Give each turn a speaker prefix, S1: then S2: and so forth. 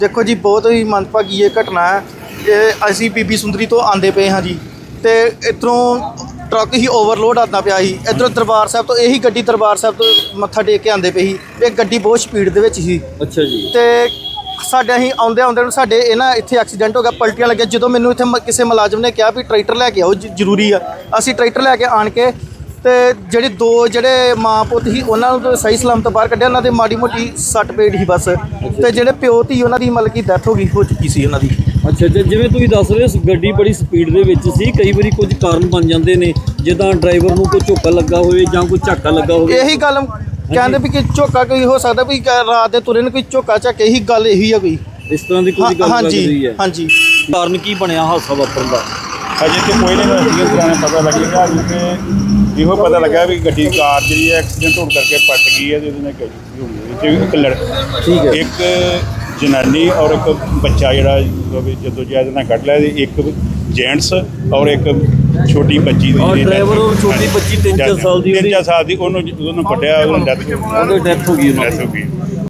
S1: देखो जी बहुत ही मंदभागी ये घटना है। ये असी बीबी सुंदरी तो आंदे पे हाँ जी, तो इधरों ट्रक ही ओवरलोड आता पिया ही। इधरों दरबार साहब तो यही गड्डी दरबार साहब तो मत्था टेक के आंदे पे ही। ये गड्डी बहुत स्पीड दे विच ही।
S2: अच्छा जी।
S1: ਤੇ ਸਾਡੇ ਅਸੀਂ ਆਉਂਦੇ ਆਉਂਦੇ ਨੂੰ ਸਾਡੇ ਇਹ ਨਾ ਇੱਥੇ ਐਕਸੀਡੈਂਟ ਹੋ ਗਿਆ, ਪਲਟੀਆਂ ਲੱਗੀਆਂ। ਜਦੋਂ ਮੈਨੂੰ ਇੱਥੇ ਕਿਸੇ ਮੁਲਾਜ਼ਮ ਨੇ ਕਿਹਾ ਵੀ ਟਰੈਕਟਰ ਲੈ ਕੇ ਆਓ ਜ਼ਰੂਰੀ ਆ, ਅਸੀਂ ਟਰੈਕਟਰ ਲੈ ਕੇ ਆਣ ਕੇ ਤੇ ਜਿਹੜੇ ਦੋ ਮਾਂ ਪੁੱਤ ਸੀ ਉਹਨਾਂ ਨੂੰ ਤਾਂ ਸਹੀ ਸਲਾਮਤ ਬਾਹਰ ਕੱਢਿਆ। ਉਹਨਾਂ ਦੇ ਮਾੜੀ ਮੋਟੀ ਸੱਟ ਪੇਟ ਸੀ ਬਸ, ਤੇ ਜਿਹੜੇ ਪਿਓ ਧੀ ਉਹਨਾਂ ਦੀ ਮਤਲਬ ਕਿ ਡੈਥ ਹੋ ਚੁੱਕੀ ਸੀ ਉਹਨਾਂ ਦੀ।
S2: ਅੱਛਾ ਅੱਛਾ, ਜਿਵੇਂ ਤੁਸੀਂ ਦੱਸ ਰਹੇ ਹੋ ਗੱਡੀ ਬੜੀ ਸਪੀਡ ਦੇ ਵਿੱਚ ਸੀ, ਕਈ ਵਾਰੀ ਕੁਝ ਕਾਰਨ ਬਣ ਜਾਂਦੇ ਨੇ ਜਿੱਦਾਂ ਡਰਾਈਵਰ ਨੂੰ ਕੋਈ ਝੋਕਾ ਲੱਗਾ ਹੋਵੇ ਜਾਂ ਕੋਈ ਝਾਕਾ ਲੱਗਾ ਹੋਵੇ।
S1: ਇਹੀ ਗੱਲ ਕਹਿੰਦੇ ਵੀ ਕਿ ਝੋਕਾ ਕੋਈ ਹੋ ਸਕਦਾ ਵੀ ਰਾਤ ਦੇ ਤੁਰੇ ਨੂੰ ਕੋਈ ਝੋਕਾ ਝਾਕੇ, ਇਹੀ ਗੱਲ ਇਹੀ ਆ ਕੋਈ
S2: ਇਸ ਤਰ੍ਹਾਂ ਦੀ ਕੋਈ ਗੱਲ ਲੱਗ ਰਹੀ ਹੈ।
S1: ਹਾਂਜੀ।
S2: ਕਾਰਨ ਕੀ ਬਣਿਆ ਹਾਦਸਾ ਵਾਪਰਨ ਦਾ?
S3: ਅਜੇ ਤੇ ਕੋਈ ਨਹੀਂ ਪਤਾ ਲੱਗੇਗਾ। ਅਜੇ ਇਹੋ ਪਤਾ ਲੱਗਾ ਵੀ ਗੱਡੀ ਕਾਰ ਜਿਹੜੀ ਹੈ ਐਕਸੀਡੈਂਟ ਹੋਣ ਕਰਕੇ ਪਲਟ ਗਈ ਹੈ ਤੇ ਉਹਦੇ ਨਾਲ ਗੱਡੀ ਹੋਈ ਹੈ।
S2: ਠੀਕ ਹੈ।
S3: ਇੱਕ ਜਨਾਨੀ ਔਰ ਇੱਕ ਬੱਚਾ ਜਿਹੜਾ ਜਦੋਂ ਜੈਦ ਨਾਲ ਕੱਢ ਲਿਆ, ਇੱਕ ਜੈਂਟਸ ਔਰ ਇੱਕ ਛੋਟੀ ਬੱਚੀ ਦੀ
S2: ਡਰਾਈਵਰ ਔਰ ਛੋਟੀ ਬੱਚੀ 3-4 ਸਾਲ ਦੀ
S3: ਉਹਨੂੰ ਕੱਢਿਆ, ਉਹਨੂੰ ਡੈਥ
S2: ਹੋ ਗਈ।